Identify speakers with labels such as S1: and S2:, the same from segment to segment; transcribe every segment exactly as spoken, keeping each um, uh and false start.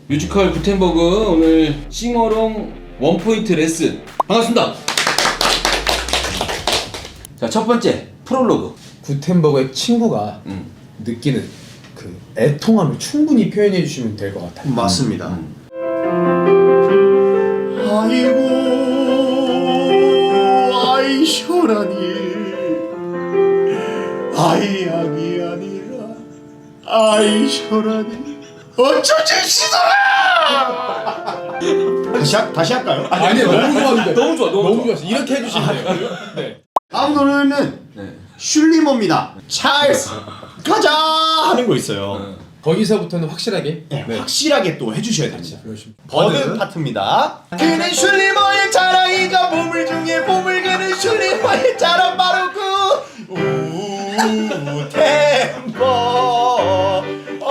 S1: 뮤지컬 구텐버그 오늘 싱어롱 원포인트 레슨 반갑습니다. 자, 첫 번째 프롤로그.
S2: 구텐버그의 친구가
S1: 음.
S2: 느끼는 그 애통함을 충분히 표현해 주시면 될 것 같아요.
S3: 맞습니다.
S1: 음.
S3: 아이고 아이 셔라니 아이 약이 아니라 아이 셔라니 어쩌지 시소라. 다시 하, 다시 할까요?
S2: 아니 너무 좋았는데
S1: 너무 좋아, 너무
S2: 너무
S1: 좋아.
S2: 좋았어. 이렇게 해주시면 돼요. 네.
S3: 다음 노래는
S1: 네.
S3: 슐리머입니다. 찰스 가자 하는 거 있어요.
S2: 거기서부터는 확실하게
S3: 네, 확실하게 또 해주셔야 됩니다.
S2: 열심히.
S3: 버드 파트입니다. 그는 슐리머의 자랑이자 보물 중에 보물 그는 슐리머의 자랑 바로 그 우템버 어,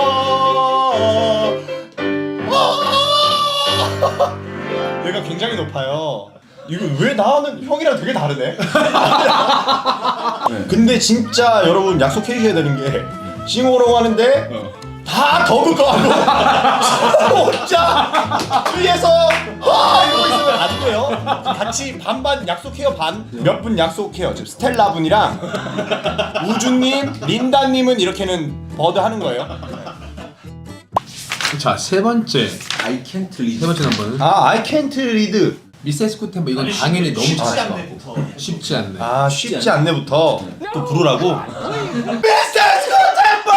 S3: 어. 얘가 굉장히 높아요. 이거 왜 나는 형이랑 되게 다르네? 근데 진짜 여러분 약속해 주셔야 되는 게 싱어롱 하는데 다 더그거하고 혼자 위에서 와 이러고 있으면 안 돼요. 같이 반반 약속해요. 반 몇 분 약속해요. 지금 스텔라 분이랑 우주님, 린다님은 이렇게는 버드 하는 거예요.
S2: 자, 세 번째
S1: I can't read.
S2: 세 번째 넘버는
S3: 아 I can't read.
S2: 미세스 구텐버. 이건 당연히 너무
S3: 쉽지
S2: 잘하실 것
S3: 않네부터.
S2: 같고 쉽지 않네.
S3: 아 쉽지 않네부터 또 부르라고. 미스터 스코템버!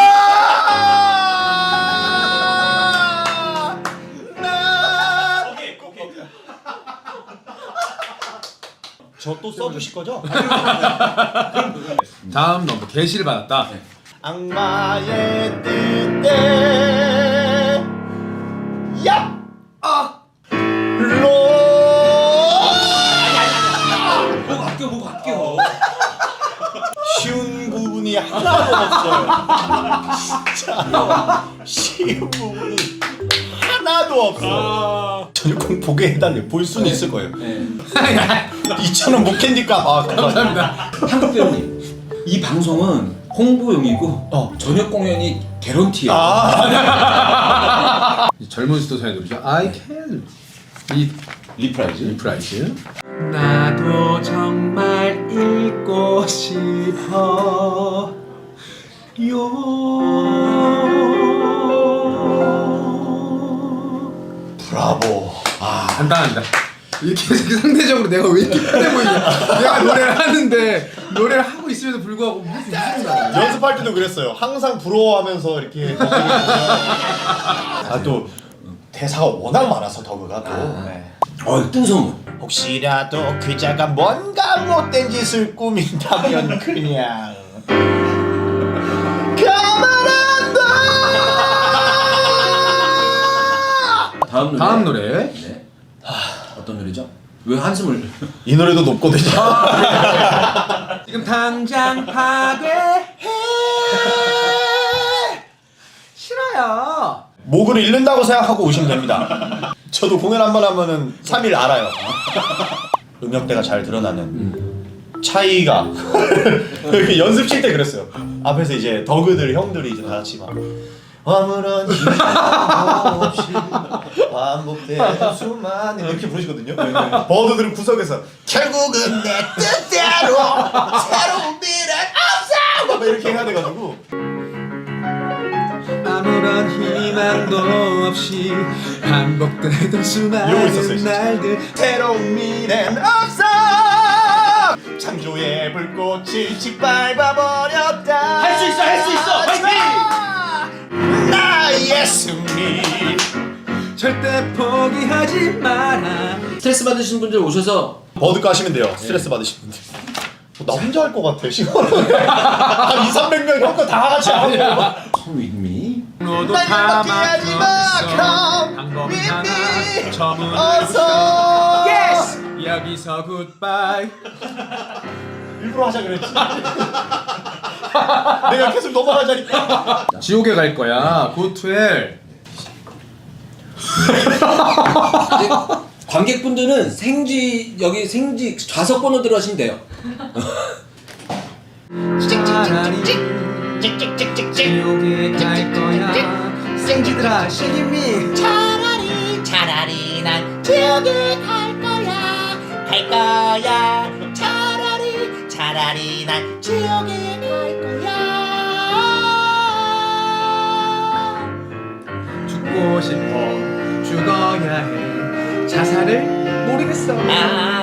S3: 저 또 써주실 거죠?
S2: 다음 넘버 계시를 받았다.
S3: 악마의 뜻대 야! 아! 로
S1: 뭐 아껴, 뭐 아껴.
S3: 쉬운 부분이 하나도 없어요. 진짜 쉬운 부분이 하나도 없어. 저는 꼭 보게 해달래요. 볼 수는 있을 거예요.
S1: 네.
S3: 이천 원 못 캔디까. 아 감사합니다.
S1: 한국 배우님, 이 방송은 홍보용이고
S3: 어.
S1: 저녁 공연이 개런티야.
S3: 아
S2: 젊은 수도사의 노래죠. I can read
S1: 리프라이즈.
S2: 리프라이즈. 나도 정말 읽고 싶어 요.
S3: 브라보.
S2: 아 간단합니다. 이렇게 상대적으로 내가 왜 이렇게 편해 보이냐. 내가 노래를 하는데 노래를 하고 있음에도 불구하고 무슨 웃음이 나와.
S3: 연습할 때도 그랬어요. 항상 부러워하면서 이렇게 아또 대사가 워낙 많아서 더그가 또. 네.
S1: 어, 뜬소문.
S3: 혹시라도 그자가 뭔가 못된 짓을 꾸민다면 그냥 가만한다.
S1: 다음 노래.
S2: 다음 노래.
S1: 네. 어떤 노래죠? 왜 한숨을?
S3: 이 노래도 높거든요.
S2: 지금 당장 파괴해. 싫어요.
S3: 목을 잃는다고 생각하고 오시면 됩니다. 저도 공연 한 번 하면은 삼 일 알아요. 음역대가 잘 드러나는 차이가. 이렇게 연습실 때 그랬어요. 앞에서 이제 더그들 형들이 이제 다 같이 막 아무런 이유 없이 반복되는 수많은 이렇게 부르시거든요. 버드들은 구석에서 결국은 내 뜻대로 새로운 미래 없어 막 이렇게 해야 돼가지고.
S2: 아무런 희망도 없이 반복되던
S3: 이러고 있었어요,
S2: 수많은
S3: 진짜.
S2: 날들.
S3: 새로운 미래는 없어. 창조의 불꽃이 짓밟아버렸다.
S1: 할 수 있어, 할 수 있어. 화이팅!
S3: 나의 승리.
S2: 절대 포기하지 마라.
S1: 스트레스 받으신 분들 오셔서
S3: 버드가 하시면 돼요. 스트레스 받으신 분들. 나 혼자 할 것 같아. 시간을 한 이삼백 명 형 거 다 같이 하고.
S1: Come with me.
S2: 너도
S3: 날
S2: 다
S3: 연락하지 마. Come
S2: 방법은
S3: with
S2: 하나.
S3: me.
S2: 저문을
S3: 어서.
S2: Yes. 여기서 굿바이.
S3: 일부러 하자 그랬지. 내가 계속 넘어가자니까.
S2: 지옥에 갈 거야. Go to hell.
S1: 이제 관객분들은 생지 여기 생지 좌석 번호대로 하시면 돼요.
S2: 찍찍찍찍찍 찍찍찍찍 지옥에 갈 거야. 생지들아, 시기미.
S3: 차라리 지옥에 갈 거야 갈 거야 차라리 차라리 난 지옥에 갈 거야
S2: 죽고 싶어 죽어야 해 자살을 모르겠어
S3: 아